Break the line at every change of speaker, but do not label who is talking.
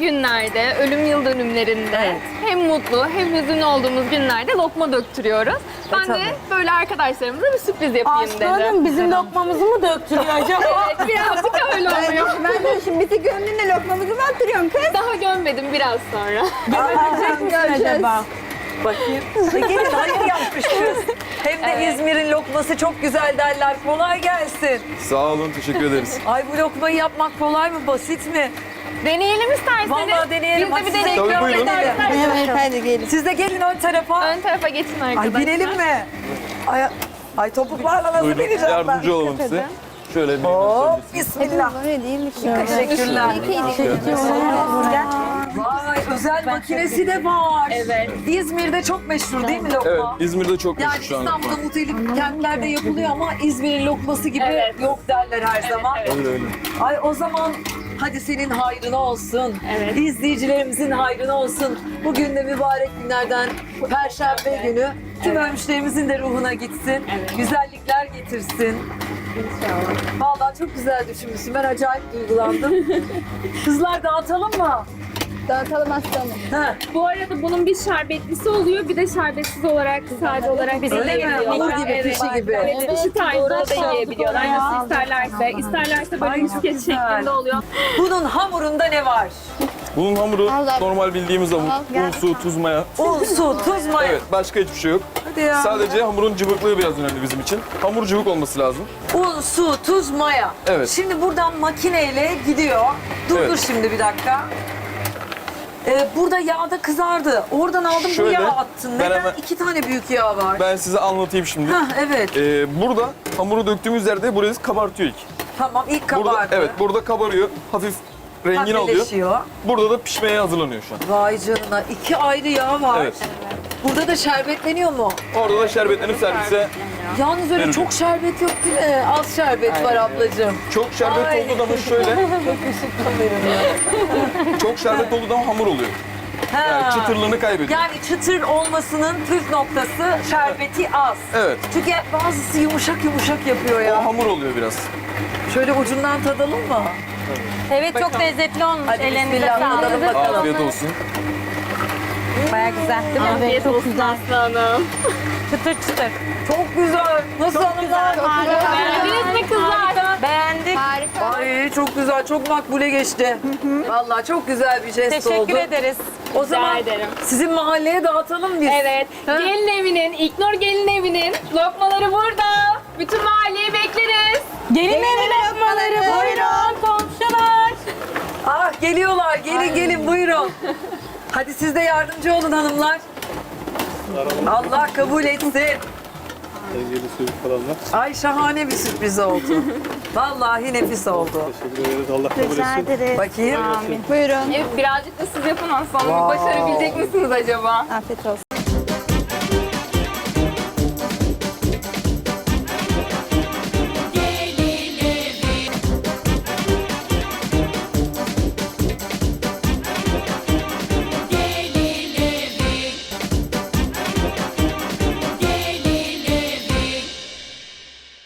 günlerde, ölüm yıl dönümlerinde hem mutlu hem hüzünlü olduğumuz günlerde lokma döktürüyoruz. Ben de
tabii.
böyle arkadaşlarımıza bir sürpriz yapayım dedim.
Aslanım bizim lokmamızı mı döktürüyor acaba?
Evet, birazcık öyle oluyor.
Ben de şimdi bizi gönlünle lokmamızı mı attırıyorsun kız?
Daha gömmedim, biraz sonra.
Görecek misin acaba?
Bakayım. Gelin hayır yapmışız. Hem de İzmir'in lokması çok güzel derler. Kolay gelsin.
Sağ olun, teşekkür ederiz.
Ay bu lokmayı yapmak kolay mı, basit mi?
Deneyelim isterseniz.
Vallahi deneyelim.
Biz de bir
Hadi size
deneyelim.
Tabii, buyurun.
Evet hadi gelin.
Siz de gelin ön tarafa.
Ön tarafa geçin
Ay
arkadaşlar.
binelim mi? Ay topuklarla nasıl
Buyurun,
bineceğim ben?
yardımcı olalım size. Şöyle bir
Hop, bismillah.
Böyle değil mi?
Teşekkürler. Vay, özel makinesi de var.
Evet.
İzmir'de çok meşhur değil mi lokma?
Evet, İzmir'de çok
Yani
meşhur şu an.
İstanbul'da muhtelif kentlerde yapılıyor ama İzmir'in lokması gibi
Evet.
yok derler her zaman.
Öyle öyle.
Ay o zaman hadi senin hayrına olsun.
Evet.
İzleyicilerimizin hayrına olsun. Bugün de mübarek günlerden Perşembe günü tüm ölmüşlerimizin de ruhuna gitsin. Güzellikler getirsin. İnşallah. Vallahi çok güzel düşünmüşsün. Ben acayip duygulandım. Kızlar dağıtalım mı?
Dağıtalım aslanım.
Ha.
Bu arada bunun bir şerbetlisi oluyor, bir de şerbetsiz olarak, sade olarak
Öyle mi?
yiyebiliyorlar.
Hamur gibi, pişi gibi.
Evet, pişi tarzında da yiyebiliyorlar. Nasıl isterlerse. İsterlerse böyle
Ay, çok
misket
güzel.
şeklinde oluyor.
Bunun hamurunda ne var?
Bunun hamuru
Allah.
normal bildiğimiz hamur. Un, su, tuz, maya.
Un, su, tuz, maya.
Evet, başka hiçbir şey yok.
Hadi ya.
Sadece hamurun cıvıklığı biraz önemli bizim için. Hamur cıvık olması lazım.
Un, su, tuz, maya.
Evet.
Şimdi buradan makineyle gidiyor. Dur
Evet.
dur şimdi bir dakika. Burada yağda kızardı. Oradan aldım bu
Şöyle,
yağı attın.
ben
Neden
hemen-
2 tane büyük yağ var?
Ben size anlatayım şimdi.
Hah evet.
Burada hamuru döktüğümüz yerde burayı kabartıyor ilk.
Tamam ilk kabardı.
Burada, evet, burada kabarıyor. Hafif rengini alıyor.
Pembeleşiyor.
Burada da pişmeye hazırlanıyor şu an.
Vay canına 2 ayrı yağ var.
Evet.
Burada da şerbetleniyor mu?
Orada da şerbetlenip servise.
Yalnız öyle
Verin.
çok şerbet yok değil mi? Az şerbet var ablacığım.
Çok şerbet
Ay.
olduğu zaman şöyle.
Çok üşüttüm benim ya.
Çok şerbet olduğu zaman hamur oluyor. Yani
Ha.
çıtırlığını kaybediyor.
Yani çıtır olmasının püf noktası şerbeti az.
Evet.
Çünkü bazısı yumuşak yumuşak yapıyor
O
ya.
hamur oluyor biraz.
Şöyle ucundan tadalım mı?
Evet çok lezzetli olmuş.
Hadi
Ellerinize
bismillah tadalım
sağlık.
bakalım.
Afiyet olsun.
Baya güzel değil mi?
Afiyet olsun aslanım.
Çıtır çıtır.
Çok güzel. Nasıl hanımlar?
Beğendiniz mi kızlar?
Beğendik.
Harika.
Ay çok güzel, çok makbule geçti. Vallahi çok güzel bir jest oldu.
Teşekkür ederiz.
O zaman
ederim.
sizin mahalleye dağıtalım biz.
Evet.
Ha?
Gelin evinin, İlknur gelin evinin lokmaları burada. Bütün mahalleyi bekleriz.
Gelin evi lokmaları buyurun komşular.
Ah geliyorlar, gelin gelin buyurun. Hadi siz de yardımcı olun hanımlar. Allah kabul etsin.
Sevgili sürük falanlar.
Ay şahane bir sürpriz oldu. Vallahi nefis oldu.
Teşekkür ederiz. Allah kabul etsin.
Bakayım.
Buyurun.
Evet, birazcık da siz yapın aslanım. Başarabilecek misiniz acaba?
Afiyet olsun.